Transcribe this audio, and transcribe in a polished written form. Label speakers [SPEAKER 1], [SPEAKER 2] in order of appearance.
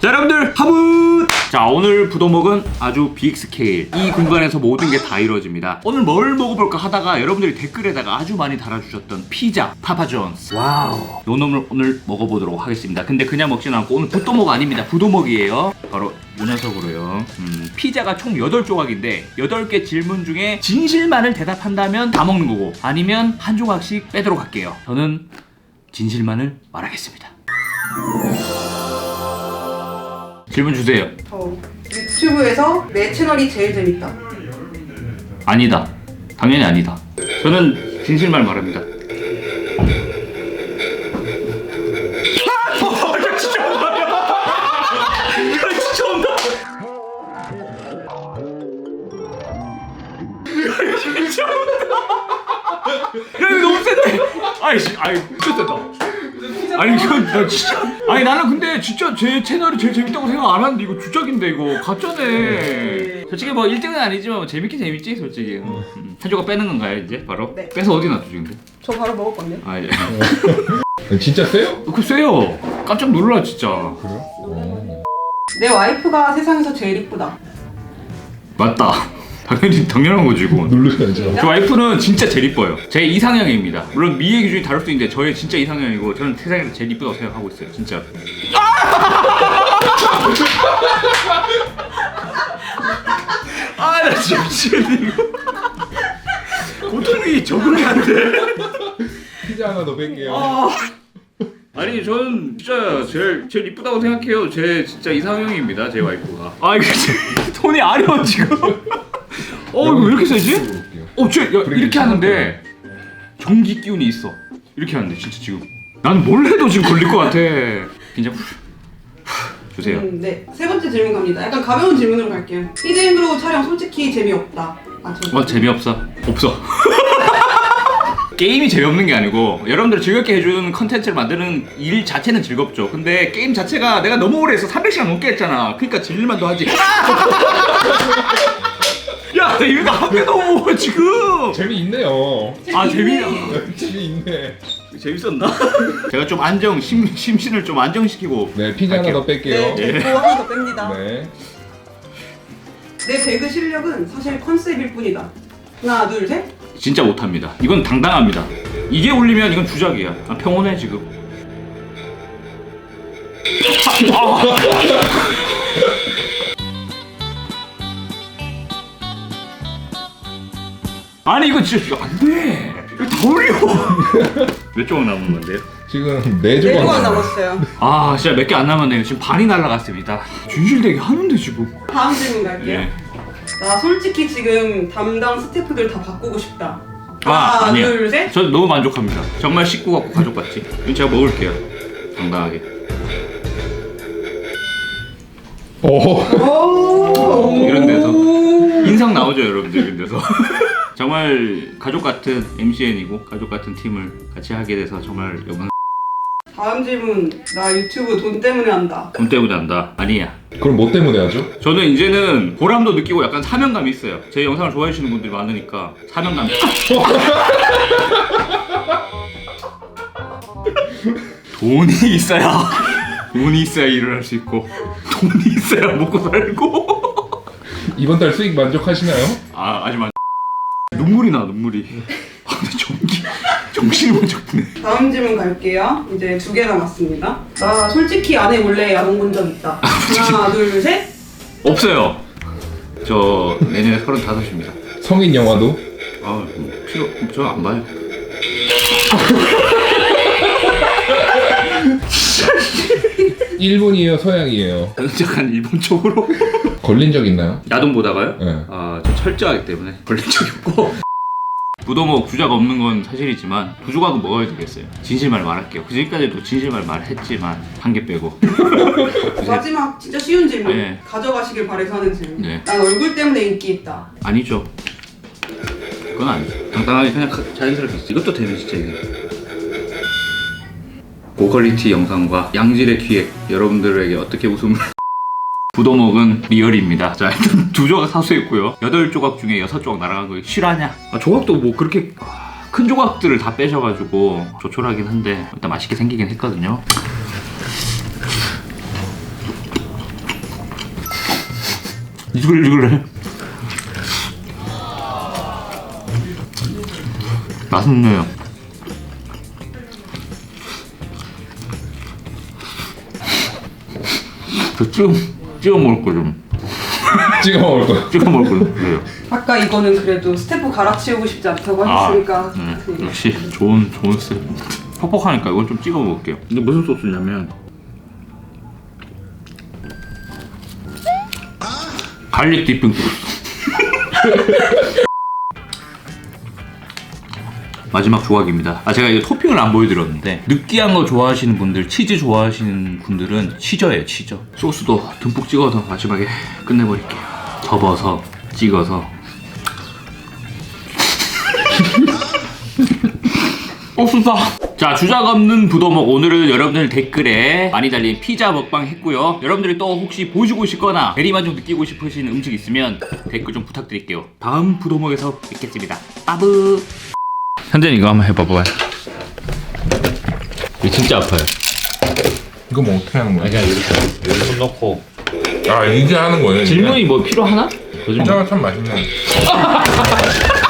[SPEAKER 1] 자, 여러분들 하부! 자, 오늘 부도먹은 아주 빅 스케일. 이 공간에서 모든 게 다 이루어집니다. 오늘 뭘 먹어볼까 하다가 여러분들이 댓글에다가 아주 많이 달아주셨던 피자 파파존스. 와우. 요 놈을 오늘 먹어보도록 하겠습니다. 근데 그냥 먹진 않고 오늘 부도먹 아닙니다. 부도먹이에요. 바로 이 녀석으로요. 피자가 총 8조각인데 8개 질문 중에 진실만을 대답한다면 다 먹는 거고, 아니면 한 조각씩 빼도록 할게요. 저는 진실만을 말하겠습니다. 질문 주세요.
[SPEAKER 2] 유튜브에서 내 채널이 제일 재밌다.
[SPEAKER 1] 아니다. 당연히 아니다. 저는 진실만 말합니다. 야, 진짜 온다. 야, 진짜 온다. 야, 진짜 온다. 야, 이거 너무 센데. 아이, 진짜 센다. 아니 이건 나 진짜, 아니 나는 근데 진짜 제 채널이 제일 재밌다고 생각 안 하는데 이거 주작인데, 이거 가짜네. 솔직히 뭐 1등은 아니지만 뭐 재밌긴 재밌지 솔직히. 한 조각 빼는 건가요 이제 바로?
[SPEAKER 2] 네.
[SPEAKER 1] 빼서 어디 놔두죠 근데?
[SPEAKER 2] 저 바로 먹을 건데요.
[SPEAKER 1] 아 예.
[SPEAKER 3] 진짜 세요?
[SPEAKER 1] 그 세요. 깜짝 놀라 진짜.
[SPEAKER 3] 그래요?
[SPEAKER 2] 내 와이프가 세상에서 제일 이쁘다.
[SPEAKER 1] 맞다. 당연한 거지 이거.
[SPEAKER 3] 누르셔야죠.
[SPEAKER 1] 저 와이프는 진짜 제일 이뻐요. 제 이상형입니다. 물론 미의 기준이 다를 수도 있는데 저의 진짜 이상형이고, 저는 세상에서 제일 이쁘다고 생각하고 있어요 진짜. 아, 나 진짜 미치겠네 이거. 고통이 적응이 안 돼.
[SPEAKER 3] 피자 하나 더 뺄게요.
[SPEAKER 1] 아니 저는 진짜 제일 이쁘다고 생각해요. 제 진짜 이상형입니다 제 와이프가. 아 이거 손이 아려 지금. 이거 왜 이렇게 세지? 이렇게 하는데 전기 기운이 있어. 이렇게 하는데 진짜 지금 나는 뭘 해도 지금 걸릴 것 같아. 긴장 주세요.
[SPEAKER 2] 네. 세 번째 질문 갑니다. 약간 가벼운 질문으로 갈게요. 히든그로우 촬영 솔직히 재미없다.
[SPEAKER 1] 재미없어? 없어. 게임이 재미없는 게 아니고 여러분들 즐겁게 해주는 컨텐츠를 만드는 일 자체는 즐겁죠. 근데 게임 자체가 내가 너무 오래 해서 300시간 넘게 했잖아. 그러니까 질릴만도 하지. 야, 나 이거 한 개도 못 먹어 지금.
[SPEAKER 3] 재미있네요.
[SPEAKER 1] 아, 재미야.
[SPEAKER 3] 재미있네.
[SPEAKER 1] 재밌었나? 제가 좀 심신을 좀 안정시키고.
[SPEAKER 3] 네, 피자 하나 더 뺄게요.
[SPEAKER 2] 네, 저 하나 더 뺍니다.
[SPEAKER 3] 네.
[SPEAKER 2] 내 배그 실력은 사실 컨셉일 뿐이다. 하나, 둘, 셋.
[SPEAKER 1] 진짜 못합니다. 이건 당당합니다. 이게 올리면 이건 주작이야. 평온해 지금. 아니 이거 진짜 안 돼. 이거 다 올려. 몇 조각 남은 건데요?
[SPEAKER 3] 지금
[SPEAKER 2] 네
[SPEAKER 3] 4조각
[SPEAKER 2] 조각 남았어요.
[SPEAKER 1] 아 진짜 몇 개 안 남았네요. 지금 반이 날라갔습니다. 진실되게 하는데 지금.
[SPEAKER 2] 다음 질문 갈게요.
[SPEAKER 1] 예.
[SPEAKER 2] 나 솔직히 지금 담당 스태프들 다 바꾸고 싶다. 하나,
[SPEAKER 1] 아니야.
[SPEAKER 2] 둘, 셋.
[SPEAKER 1] 저 너무 만족합니다. 정말 식구 같고 가족 같지. 이건 제가 먹을게요. 당당하게.
[SPEAKER 2] 오.
[SPEAKER 1] 이런 데서 인상 나오죠 여러분들. 이런 데서. 정말 가족 같은 MCN이고 가족 같은 팀을 같이 하게 돼서 정말 영광.
[SPEAKER 2] 다음 질문. 나 유튜브 돈 때문에 한다.
[SPEAKER 1] 돈 때문에 한다. 아니야.
[SPEAKER 3] 그럼 뭐 때문에 하죠?
[SPEAKER 1] 저는 이제는 보람도 느끼고 약간 사명감이 있어요. 제 영상을 좋아해 주시는 분들이 많으니까 사명감. 돈이 있어야 일을 할 수 있고, 돈이 있어야 먹고 살고.
[SPEAKER 3] 이번 달 수익 만족하시나요?
[SPEAKER 1] 하지만 눈물이 나. 근데 정신이 번쩍 드네.
[SPEAKER 2] 다음 질문 갈게요. 이제 2개 남았습니다. 나 솔직히 아내 몰래 야동 본 적 있다. 하나, 둘, 셋.
[SPEAKER 1] 없어요. 저 내년에 35입니다.
[SPEAKER 3] 성인 영화도?
[SPEAKER 1] 저 안 봐요.
[SPEAKER 3] 일본이에요, 서양이에요?
[SPEAKER 1] 약간 일본 쪽으로.
[SPEAKER 3] 걸린 적 있나요?
[SPEAKER 1] 야동 보다가요?
[SPEAKER 3] 네.
[SPEAKER 1] 저 철저하기 때문에 걸린 적이 없고. 부도먹 주작 없는 건 사실이지만 2조각은 먹어야 되겠어요. 진실말 말할게요. 그 전까지도 진실말 말했지만 한 개 빼고.
[SPEAKER 2] 마지막 진짜 쉬운 질문.
[SPEAKER 1] 네.
[SPEAKER 2] 가져가시길 바래서 하는 질문.
[SPEAKER 1] 네.
[SPEAKER 2] 난 얼굴 때문에 인기 있다.
[SPEAKER 1] 아니죠. 그건 아니죠. 당당하게 그냥 자연스럽게 있어. 이것도 되네 진짜 이게. 고퀄리티 영상과 양질의 기획, 여러분들에게 어떻게 웃음을. 부도먹은 리얼입니다. 자, 일단 2조각 사수했고요. 8조각 중에 6조각 날아간 거 실화냐? 조각도 뭐 그렇게 큰 조각들을 다 빼셔가지고 조촐하긴 한데 일단 맛있게 생기긴 했거든요. 이글이글해. 맛있네요. 저 찍어 먹을 거 좀.
[SPEAKER 3] 찍어 먹을 거.
[SPEAKER 1] 찍어 먹을 거 좀 주세요.
[SPEAKER 2] 아까 이거는 그래도 스태프 갈아치우고 싶지 않다고 하셨으니까.
[SPEAKER 1] 역시 좋은 스텝. 퍽퍽하니까 이건 좀 찍어 먹을게요. 근데 무슨 소스냐면 갈릭 디핑 소스. 마지막 조각입니다. 제가 이거 토핑을 안 보여드렸는데 느끼한 거 좋아하시는 분들, 치즈 좋아하시는 분들은 치저예요, 치저. 소스도 듬뿍 찍어서 마지막에 끝내버릴게요. 접어서 찍어서. 옥수다. 자, 주작 없는 부도먹. 오늘은 여러분들 댓글에 많이 달린 피자 먹방 했고요. 여러분들이 또 혹시 보시고 싶거나 대리만족 느끼고 싶으신 음식 있으면 댓글 좀 부탁드릴게요. 다음 부도먹에서 뵙겠습니다. 빠브. 현재는 이거 한번 해봐봐요. 이거 진짜 아파요.
[SPEAKER 3] 이거 뭐 어떻게 하는 거야?
[SPEAKER 1] 그냥 여기 손 넣고.
[SPEAKER 3] 아 이게 하는 거예요?
[SPEAKER 1] 질문이 뭐 필요하나?
[SPEAKER 3] 피자가 참 맛있네.